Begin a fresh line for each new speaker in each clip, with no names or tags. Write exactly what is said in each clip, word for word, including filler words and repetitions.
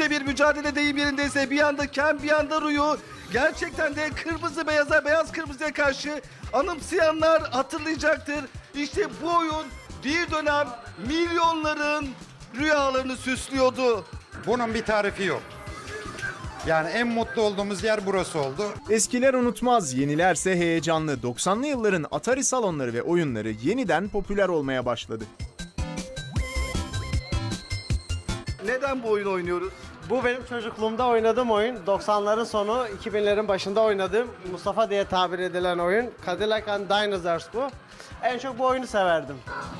müthiş bir mücadele deyim yerindeyse bir yanda Ken bir yanda Ruyu. Gerçekten de kırmızı beyaza beyaz kırmızıya karşı anımsayanlar hatırlayacaktır. İşte bu oyun bir dönem milyonların rüyalarını süslüyordu.
Bunun bir tarifi yok. Yani en mutlu olduğumuz yer burası oldu.
Eskiler unutmaz, yenilerse heyecanlı. doksanlı yılların Atari salonları ve oyunları yeniden popüler olmaya başladı.
Neden bu oyunu oynuyoruz?
Bu benim çocukluğumda oynadığım oyun. doksanların sonu, iki binlerin başında oynadığım Mustafa diye tabir edilen oyun. Cadillac and Dinosaurs bu. En çok bu oyunu severdim.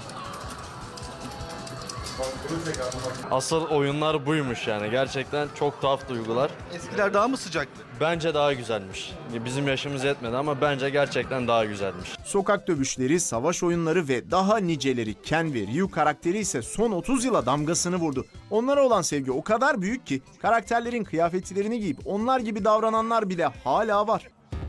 Asıl oyunlar buymuş yani. Gerçekten çok tuhaf duygular.
Eskiler daha mı sıcaktı?
Bence daha güzelmiş. Bizim yaşımız yetmedi ama bence gerçekten daha güzelmiş.
Sokak dövüşleri, savaş oyunları ve daha niceleri Ken ve Ryu karakteri ise son otuz yıla damgasını vurdu. Onlara olan sevgi o kadar büyük ki karakterlerin kıyafetlerini giyip onlar gibi davrananlar bile hala var.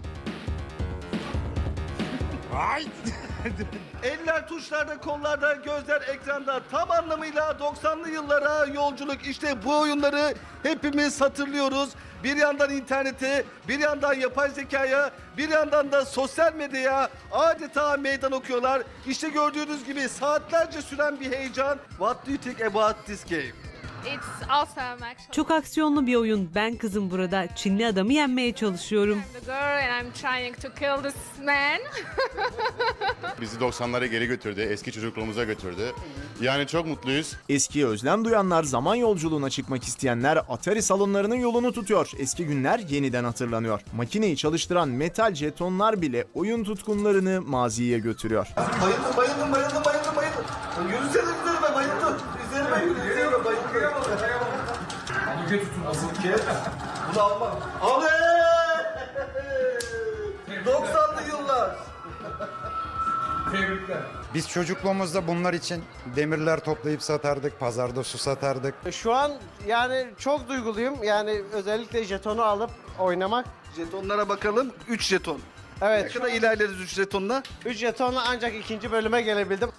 Eller tuşlarda, kollarda, gözler ekranda. Tam anlamıyla doksanlı yıllara yolculuk. İşte bu oyunları hepimiz hatırlıyoruz. Bir yandan internete, bir yandan yapay zekaya, bir yandan da sosyal medyaya adeta meydan okuyorlar. İşte gördüğünüz gibi saatlerce süren bir heyecan. What do you think about this game?
It's awesome actually.
Çok aksiyonlu bir oyun. Ben kızım burada Çinli adamı yenmeye çalışıyorum.
I'm the girl and I'm trying to kill this man.
Bizi doksanlara geri götürdü, eski çocukluğumuza götürdü. Yani çok mutluyuz.
Eskiye özlem duyanlar, zaman yolculuğuna çıkmak isteyenler Atari salonlarının yolunu tutuyor. Eski günler yeniden hatırlanıyor. Makineyi çalıştıran metal jetonlar bile oyun tutkunlarını maziye götürüyor.
Bayıldım, bayıldım, bayıldım, bayıldım, bayıldım. Yürüsene üzerime, bayıldım. Üzerime yürü, üzerime bayıldım. Yüke tutun asıl ki. Bunu almam. Abi! doksanlı yıllar.
Biz çocukluğumuzda bunlar için demirler toplayıp satardık, pazarda su satardık.
Şu an yani çok duyguluyum. Yani özellikle jetonu alıp oynamak.
Jetonlara bakalım. üç jeton. Ne
Evet,
kadar ilerleriz üç jetonla?
üç jetonla ancak ikinci bölüme gelebildim.